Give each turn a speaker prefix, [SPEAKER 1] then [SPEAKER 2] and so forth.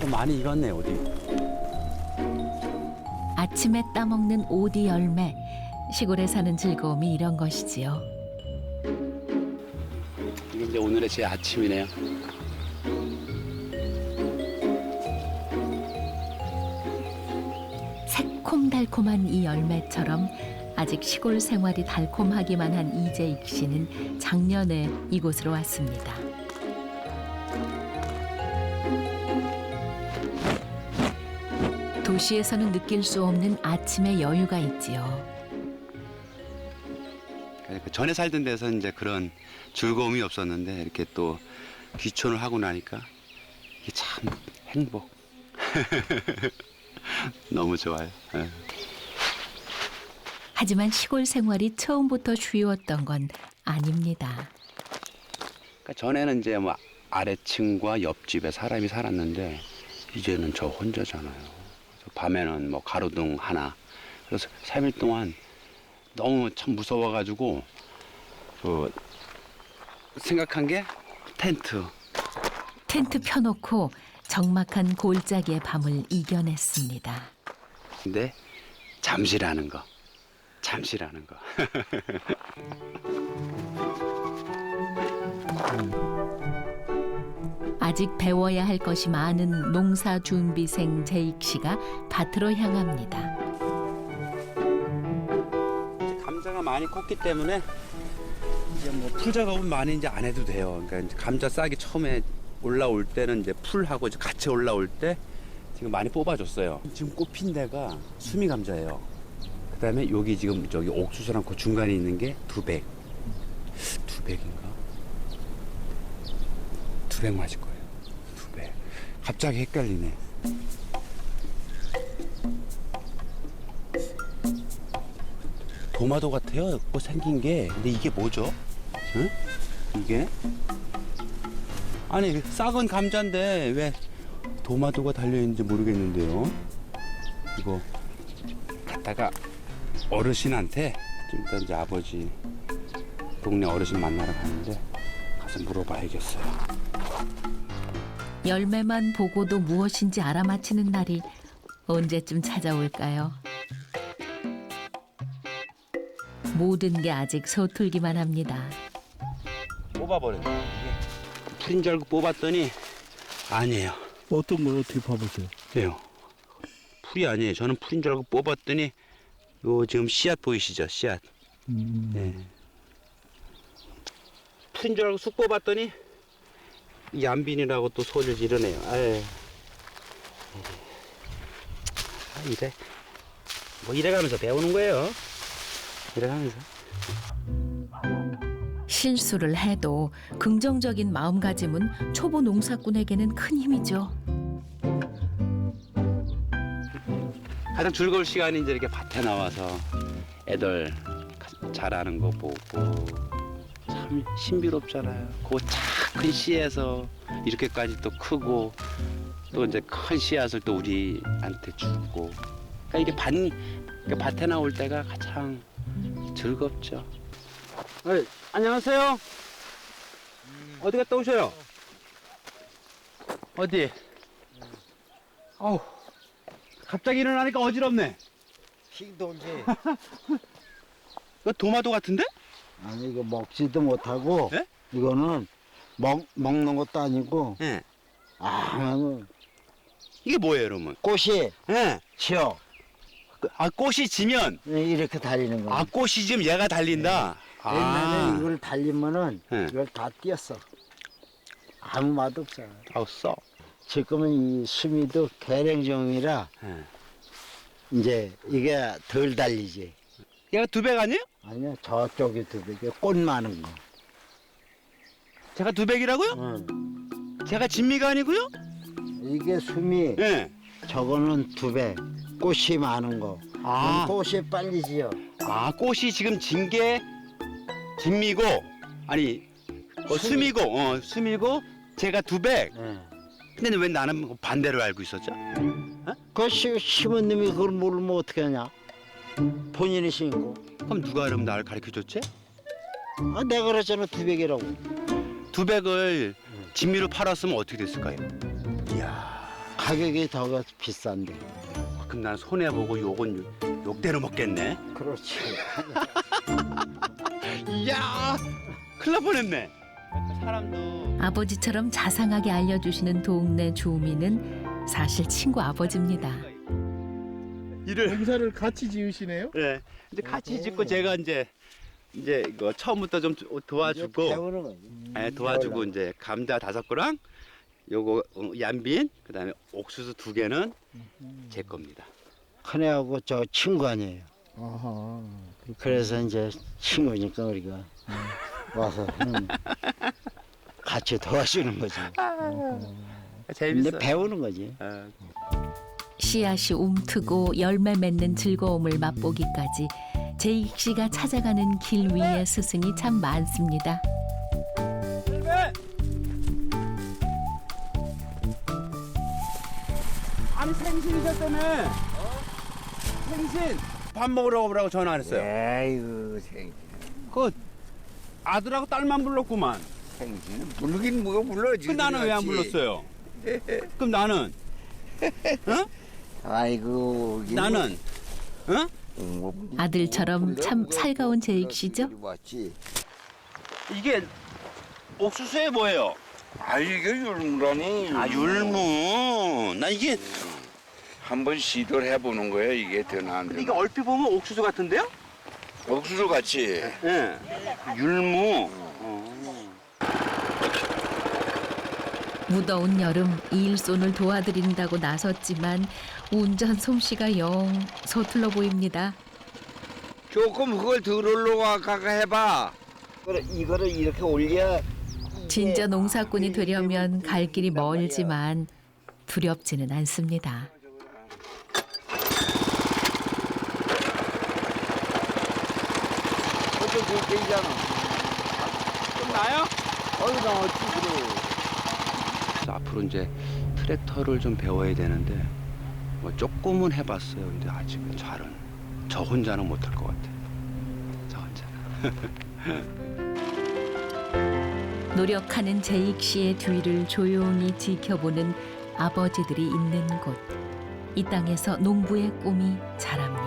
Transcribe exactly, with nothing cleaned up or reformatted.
[SPEAKER 1] 이거 많이 익었네 어디.
[SPEAKER 2] 아침에 따먹는 오디 열매. 시골에 사는 즐거움이 이런 것이지요.
[SPEAKER 1] 이게 이제 오늘의 제 아침이네요.
[SPEAKER 2] 새콤달콤한 이 열매처럼 아직 시골 생활이 달콤하기만 한 이재익 씨는 작년에 이곳으로 왔습니다. 도시에서는 느낄 수 없는 아침의 여유가 있지요.
[SPEAKER 1] 그러니까 전에 살던 데서 이제 그런 즐거움이 없었는데 이렇게 또 귀촌을 하고 나니까 이게 참 행복. 너무 좋아요. 예.
[SPEAKER 2] 하지만 시골 생활이 처음부터 쉬웠던 건 아닙니다.
[SPEAKER 1] 그러니까 전에는 이제 뭐 아래층과 옆집에 사람이 살았는데 이제는 저 혼자잖아요. 그래서 밤에는 뭐 가로등 하나. 그래서 삼 일 동안 너무 참 무서워가지고 그 생각한 게 텐트.
[SPEAKER 2] 텐트 펴놓고 적막한 골짜기의 밤을 이겨냈습니다.
[SPEAKER 1] 근데 잠시라는 거. 잠시라는 거.
[SPEAKER 2] 아직 배워야 할 것이 많은 농사 준비생 재익 씨가 밭으로 향합니다.
[SPEAKER 1] 감자가 많이 컸기 때문에 이제 뭐 풀 작업은 많이 이제 안 해도 돼요. 그러니까 이제 감자 싹이 처음에 올라올 때는 이제 풀하고 이제 같이 올라올 때 지금 많이 뽑아줬어요. 지금 꽃핀 데가 수미 감자예요. 그다음에 여기 지금 저기 옥수수랑 그 중간에 있는 게 두백. 두백인가? 두백 맞을 거예요. 두백. 갑자기 헷갈리네. 도마도 같아요. 뭐 생긴 게. 근데 이게 뭐죠? 응? 이게? 아니 싹은 감자인데 왜 도마도가 달려있는지 모르겠는데요. 이거 갖다가 어르신한테 좀 이따 이제 아버지 동네 어르신 만나러 가는데 가서 물어봐야겠어요.
[SPEAKER 2] 열매만 보고도 무엇인지 알아맞히는 날이 언제쯤 찾아올까요? 모든 게 아직 서툴기만 합니다.
[SPEAKER 1] 뽑아버렸네. 풀인 줄 알고 뽑았더니 아니에요.
[SPEAKER 3] 어떤 걸 어떻게 봐보세요?
[SPEAKER 1] 왜요? 풀이 아니에요. 저는 풀인 줄 알고 뽑았더니 요 지금 씨앗 보이시죠? 씨앗.
[SPEAKER 3] 음.
[SPEAKER 1] 네. 풀인 줄 알고 쑥 뽑았더니 얀빈이라고 또 소리를 지르네요. 아유. 아, 이래. 뭐 이래가면서 배우는 거예요. 이래가면서.
[SPEAKER 2] 실수를 해도 긍정적인 마음가짐은 초보 농사꾼에게는 큰 힘이죠.
[SPEAKER 1] 가장 즐거울 시간이 이제 이렇게 밭에 나와서 애들 자라는 거 보고 참 신비롭잖아요. 그 작은 씨에서 이렇게까지 또 크고 또 이제 큰 씨앗을 또 우리한테 주고. 그러니까 이게 밭, 그러니까 밭에 나올 때가 가장 즐겁죠. 네, 안녕하세요. 어디 갔다 오셔요? 어디? 어우. 갑자기 일어나니까 어지럽네.
[SPEAKER 4] 싱동지.
[SPEAKER 1] 이거 도마도 같은데?
[SPEAKER 4] 아니 이거 먹지도 못하고
[SPEAKER 1] 예?
[SPEAKER 4] 이거는 먹 먹는 것도 아니고
[SPEAKER 1] 예.
[SPEAKER 4] 아
[SPEAKER 1] 이게 뭐예요, 여러분?
[SPEAKER 4] 꽃이
[SPEAKER 1] 예.
[SPEAKER 4] 지어
[SPEAKER 1] 아, 꽃이 지면,
[SPEAKER 4] 이렇게 달리는 거야.
[SPEAKER 1] 아, 꽃이 지면 얘가 달린다? 아.
[SPEAKER 4] 옛날에 이걸 달리면은
[SPEAKER 1] 예.
[SPEAKER 4] 이걸 다 띄었어. 아무 맛 없어.
[SPEAKER 1] 아우, 써.
[SPEAKER 4] 지금은 이 수미도 계량종이라
[SPEAKER 1] 예.
[SPEAKER 4] 이제 이게 덜 달리지.
[SPEAKER 1] 얘가 두백 아니에요?
[SPEAKER 4] 아니야 저쪽이 두 배, 꽃 많은 거.
[SPEAKER 1] 제가 두백이라고요?
[SPEAKER 4] 응.
[SPEAKER 1] 제가 진미가 아니고요?
[SPEAKER 4] 이게 수미,
[SPEAKER 1] 예.
[SPEAKER 4] 저거는 두 배. 꽃이 많은 거.
[SPEAKER 1] 아.
[SPEAKER 4] 꽃이 빨리 지어.
[SPEAKER 1] 아, 꽃이 지금 진 게 진미고, 아니, 어,
[SPEAKER 4] 수미.
[SPEAKER 1] 수미고, 어, 수미고, 제가 두백.
[SPEAKER 4] 예.
[SPEAKER 1] 근데 왜 나는 반대로 알고 있었죠?
[SPEAKER 4] 그 시, 심은 놈이 그걸 모르면 어떻게 하냐? 본인이 심고.
[SPEAKER 1] 그럼 누가 그럼 나를 가르쳐 줬지?
[SPEAKER 4] 아, 내가 그랬잖아, 두백이라고.
[SPEAKER 1] 두백을 진미로 팔았으면 어떻게 됐을까요?
[SPEAKER 4] 이야. 가격이 더 비싼데.
[SPEAKER 1] 아, 그럼 난 손해 보고 욕은 욕- 욕대로 먹겠네.
[SPEAKER 4] 그렇지.
[SPEAKER 1] 이야, 큰일 날 뻔했네. 사람도
[SPEAKER 2] 아버지처럼 자상하게 알려주시는 동네 주민은 사실 친구 아버지입니다.
[SPEAKER 1] 일을
[SPEAKER 3] 농사를 같이 지으시네요?
[SPEAKER 1] 예, 이제 같이 짓고 제가 이제 이제 이거 처음부터 좀 도와주고,
[SPEAKER 4] 배우는 거지.
[SPEAKER 1] 예, 도와주고 이제 감자 다섯 그랑 요거 어, 얀빈 그다음에 옥수수 두 개는 제 겁니다.
[SPEAKER 4] 큰애하고 저 친구 아니에요.
[SPEAKER 3] 아하.
[SPEAKER 4] 그래서 이제 친구니까 우리가 와서 음, 같이 도와주는 거지. 근데
[SPEAKER 1] 재밌어.
[SPEAKER 4] 배우는 거지.
[SPEAKER 1] 아,
[SPEAKER 2] 씨앗이 움트고 열매 맺는 즐거움을 맛보기까지 제익 씨가 찾아가는 길 위에 스승이 참 많습니다.
[SPEAKER 1] 아니 생신이셨다며? 생신 밥 먹으러 오라고 전화 안 했어요.
[SPEAKER 5] 아이고 생,
[SPEAKER 1] 그 아들하고 딸만 불렀구만.
[SPEAKER 5] 생신은 부르긴 뭐가 불러지.
[SPEAKER 1] 그 나는 왜 안 불렀어요? 그럼 나는
[SPEAKER 5] 아이고 이게
[SPEAKER 1] 나는 어?
[SPEAKER 5] 뭐, 뭐,
[SPEAKER 2] 아들처럼
[SPEAKER 5] 불러,
[SPEAKER 2] 참
[SPEAKER 5] 불러,
[SPEAKER 2] 살가운
[SPEAKER 5] 불러,
[SPEAKER 2] 제익 씨죠?
[SPEAKER 5] 불러, 왔지.
[SPEAKER 1] 이게 옥수수에 뭐예요?
[SPEAKER 5] 아 이게 율무라니.
[SPEAKER 1] 아 율무. 나 이게
[SPEAKER 5] 한번 시도를 해보는 거예요. 이게 되나 안
[SPEAKER 1] 근데
[SPEAKER 5] 되나.
[SPEAKER 1] 이게 얼핏 보면 옥수수 같은데요?
[SPEAKER 5] 옥수수 같이.
[SPEAKER 1] 예. 율무. 어.
[SPEAKER 2] 무더운 여름 일손을 도와드린다고 나섰지만 운전 솜씨가 영 서툴러 보입니다.
[SPEAKER 5] 조금 그걸 덜 올라가가 해봐. 그래 이거를 이렇게 올려.
[SPEAKER 2] 진짜 농사꾼이 되려면 갈 길이 멀지만 두렵지는 않습니다.
[SPEAKER 5] 어제 그렇게 있잖아.
[SPEAKER 1] 끝나요?
[SPEAKER 5] 어이 나왔지 그래.
[SPEAKER 1] 그래서 앞으로 이제 트랙터를 좀 배워야 되는데 뭐 조금은 해봤어요. 근데 아직은 잘은 저 혼자는 못할 것 같아요. 저 혼자는.
[SPEAKER 2] 노력하는 제익 씨의 뒤를 조용히 지켜보는 아버지들이 있는 곳. 이 땅에서 농부의 꿈이 자랍니다.